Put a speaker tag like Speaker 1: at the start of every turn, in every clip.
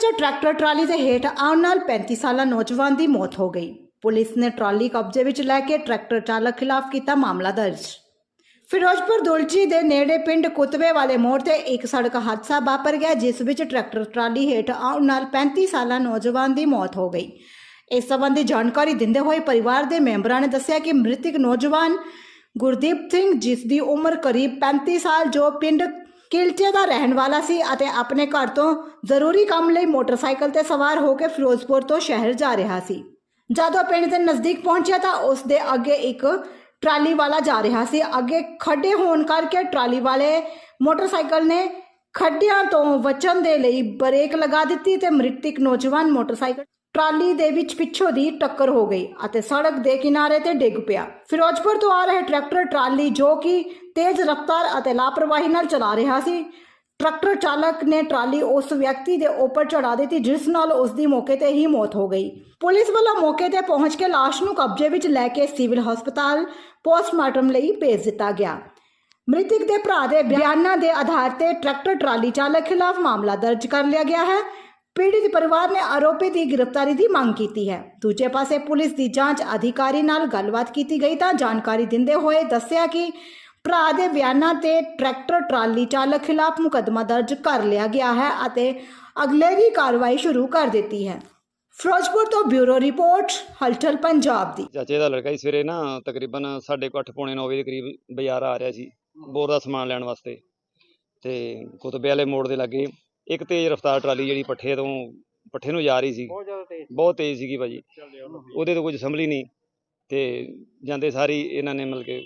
Speaker 1: Tractor trolley के हेठ आउण नाल 35 साला नौजवान की मौत हो गई। पुलिस ने ट्राली कब्जे विच लैके ट्रैक्टर चालक खिलाफ किया मामला दर्ज। फिरोजपुर दुलची के नेड़े पिंड कुतबे वाले मोड़ से एक सड़क हादसा वापर गया, जिस विच ट्रैक्टर ट्राली हेठ आउण नाल 35 साला नौजवान की मौत हो गई। इस संबंधी जानकारी दिंदे हुए परिवार के मैंबरां ने दस्सिया कि मृतक नौजवान गुरदीप सिंह, जिसकी उम्र करीब 35 साल, जो पिंड किलचे का रहने वाला सी अते अपने घर तो जरूरी काम लई मोटरसाइकिल ते सवार होकर फिरोजपुर तो शहर जा रहा सी। जदों पिंड के नज़दीक पहुंचा तो उसके अगे एक ट्राली वाला जा रहा सी। अगे खड्डे होने करके ट्राली वाले मोटरसाइकिल ने खड्डियां तो बचन दे लई ब्रेक लगा दी ते मृतक नौजवान मोटरसाइकिल ट्राली दे विच पिछों दी टक्कर हो गई अते सड़क दे किनारे ते डिग पिया। फिरोजपुर तो आ रहे ट्रैक्टर ट्राली जो कि तेज रफ्तार अते लापरवाही नाल चला रहा सी, ट्रैक्टर चालक ने ट्राली उस व्यक्ति के ऊपर चढ़ा दी, जिस नाल उसकी मौके ते ही मौत हो गई। पुलिस वालों मौके ते पहुंच के लाश नूं कब्जे विच लैके सिविल हस्पताल पोस्टमार्टम लई भेज दिता गया। मृतक के भरा के बयानों के आधार पर ट्रैक्टर ट्राली चालक खिलाफ मामला दर्ज कर लिया गया है। पीड़ित परिवार ने आरोपी की गिरफ्तारी की मांग की है। दूजे पासे पुलिस की जांच अधिकारी नाल गलबात की गई तो जानकारी दिंदे हुए दस्सिया कि भरा के बयानों ते ट्रैक्टर ट्राली चालक खिलाफ मुकदमा दर्ज कर लिया गया है अते अगलेरी कार्रवाई शुरू कर दी है। फिरोजपुर तो ब्यूरो रिपोर्ट हलचल पंजाब दी।
Speaker 2: चाचे का लड़का ही सवेरे ना तकरीबन 8:30 पौने 9 बजे करीब बाजार आ रहा सी बोर का समान लैन वास्ते ते कुतबे वाले मोड़ के लागे एक तेज रफ्तार ट्राली जी पट्ठे नूं जा रही सी, बहुत तेज सी भाजी। ਉਹਦੇ तो कुछ संभली नहीं तो जाते सारी इन्होंने मतलब कि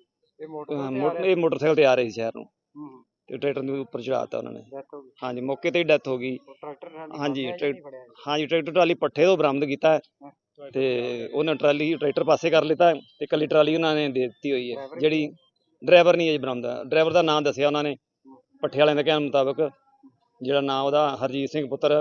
Speaker 2: मोटरसाइकिल ते आ रहे शहर नूं ते ट्रैक्टर के उपर चढ़ाता उन्होंने। हाँ जी, मौके ते ही डैथ हो गई। हाँ जी ट्रैक्टर ट्राली पट्ठे तो बरामद किया ते उन्हें ट्राली ट्रैक्टर पासे कर लिता ते कल्ली ट्राली उन्होंने दे दी हुई है। जिहड़ी ड्राइवर नहीं है बरामद, ड्राइवर का नाम दस्सिया उन्होंने पट्ठे वाले के कहने मुताबिक, जिहड़ा नाम उहदा हरजीत सिंह पुत्र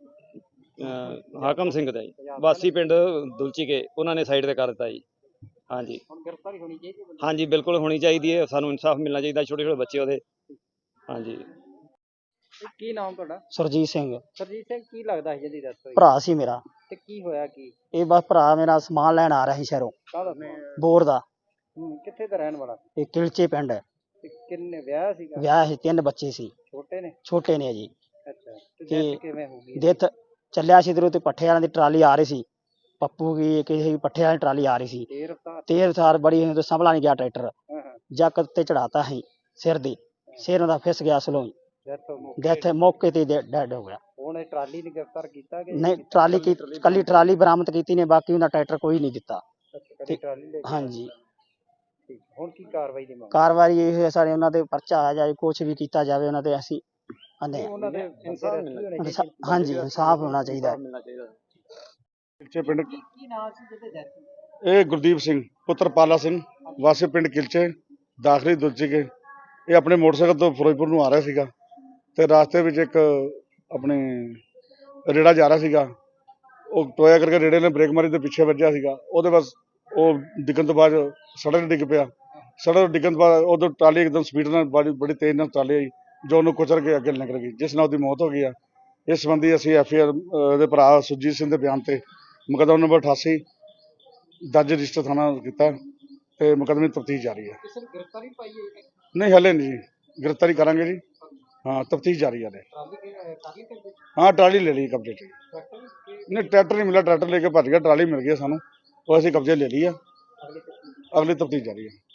Speaker 2: हाकम सिंह दा जी, वासी पिंड दुलची के, उन्होंने साइड ते कर दिता जी। हाँ जी हाँ जी बिल्कुल होनी चाहिए है, सानू इंसाफ मिलना चाहिए। छोटे छोटे बच्चे उहदे। हाँ जी।
Speaker 3: ਕੀ ਨਾਮ ਤੁਹਾਡਾ?
Speaker 4: ਸਰਜੀਤ ਸਿੰਘ
Speaker 3: ਸਰਜੀਤ ਸਿੰਘ, ਕੀ ਲੱਗਦਾ ਸੀ ਜਿਹਦੀ ਡੈਥ ਹੋਈ
Speaker 4: ਭਰਾ ਸੀ ਮੇਰਾ।
Speaker 3: ਤੇ ਕੀ ਹੋਇਆ ਕੀ?
Speaker 4: ਇਹ ਬਸ ਭਰਾ ਮੇਰਾ ਸਮਾਨ ਲੈਣ ਆ ਰਿਹਾ ਸੀ ਸ਼ਹਿਰੋਂ,
Speaker 3: ਕਾਹਦਾ?
Speaker 4: ਬੋਰ ਦਾ।
Speaker 3: ਕਿੱਥੇ ਦਾ ਰਹਿਣ ਵਾਲਾ?
Speaker 4: ਇਹ ਕਿਲਚੇ ਪਿੰਡ ਹੈ।
Speaker 3: ਤੇ ਕਿੰਨੇ ਵਿਆਹ ਸੀਗਾ?
Speaker 4: ਵਿਆਹ ਸੀ, 3 ਬੱਚੇ ਸੀ।
Speaker 3: ਛੋਟੇ ਨੇ
Speaker 4: ਜੀ।
Speaker 3: ਅੱਛਾ, ਤੇ ਡੈਥ ਕਿਵੇਂ ਹੋ ਗਈ?
Speaker 4: ਡੈਥ ਚੱਲਿਆ ਸੀ ਇਧਰੋਂ ਤੇ ਪੱਠੇ ਵਾਲਿਆਂ ਦੀ ਟਰਾਲੀ ਆ ਰਹੀ ਸੀ, ਪੱਪੂ ਕੀ ਕਿਸੇ ਪੱਠੇ ਵਾਲੀ ਟਰਾਲੀ ਆ ਰਹੀ ਸੀ, ਤੇਜ਼ ਰਫ਼ਤਾਰ ਬੜੀ ਤੇ ਸੰਭਲਾ ਨਹੀਂ ਗਿਆ ਟਰੈਕਟਰ, ਜੱਕ ਤੇ ਚੜਾਤਾ ਸੀ ਸਿਰ ਦੀ, ਸਿਰ ਉਹਦਾ ਫਿਸ ਗਿਆ ਸਲੋਂ, ਡੈਥ ਮੌਕੇ ਤੇ ਡੈਡ ਹੋ ਗਿਆ।
Speaker 3: ਹੁਣ ਇਹ ਟਰਾਲੀ ਨੂੰ ਗ੍ਰਿਫਤਾਰ ਕੀਤਾ ਕਿ
Speaker 4: ਨਹੀਂ? ਟਰਾਲੀ ਕੀ ਕੱਲੀ ਟਰਾਲੀ ਬਰਾਮਦ ਕੀਤੀ ਨੇ, ਬਾਕੀ ਉਹਦਾ ਟਰੈਕਟਰ ਕੋਈ ਨਹੀਂ ਦਿੱਤਾ। ਹਾਂਜੀ।
Speaker 3: ਹੁਣ ਕੀ ਕਾਰਵਾਈ ਦੀ ਮੰਗ?
Speaker 4: ਕਾਰਵਾਈ ਇਹ ਹੈ ਸਾਡੇ ਉਹਨਾਂ ਦੇ ਪਰਚਾ ਆ ਜਾਏ, ਕੁਛ ਵੀ ਕੀਤਾ ਜਾਵੇ ਉਹਨਾਂ ਤੇ, ਅਸੀਂ ਆਨੇ ਹਾਂਜੀ ਇਨਸਾਫ ਹੋਣਾ ਚਾਹੀਦਾ।
Speaker 5: किलचे पिंड ये गुरदीप सिंह पुत्र पाला सिंह वासी पिंड किलचे दाखली दुलची के, ये अपने मोटरसाइकिल तो फिरोजपुर नूं आ रहा सीगा ते रास्ते में एक अपने रेड़ा जा रहा सीगा, वो टोया करके रेड़े ने ब्रेक मारी तो पिछे वज्जिया सीगा, ਉਹਦੇ बस वो डिग्गण तो बाद सड़क डिग पिया। सड़क डिग्गण तो बाद उधर ट्राली एकदम स्पीड नाल बड़ी तेज नाल ट्राली आई जो ਉਹਨੂੰ कुचल के अगे निकल गई, जिस नाल ਉਹਦੀ मौत हो गई है। इस संबंधी ਅਸੀਂ FIR ਦੇ ਭਰਾ ਸੁਰਜੀਤ ਸਿੰਘ ਦੇ ਬਿਆਨ ਤੇ मुकदमा नंबर 88 दर्ज रजिस्टर थाना किया तो मुकदमे की तफ्तीश जारी है। नहीं हले नहीं जी, गिरफ्तारी करांगे जी। हाँ तफ्तीश जारी है। हाँ ट्राली ले ली कब्जे से। नहीं ट्रैक्टर नहीं मिला, ट्रैक्टर लेके भज गया, ट्राली मिल गई सानू, वो असीं कब्जे ले ली है। अगली तफ्तीश जारी है।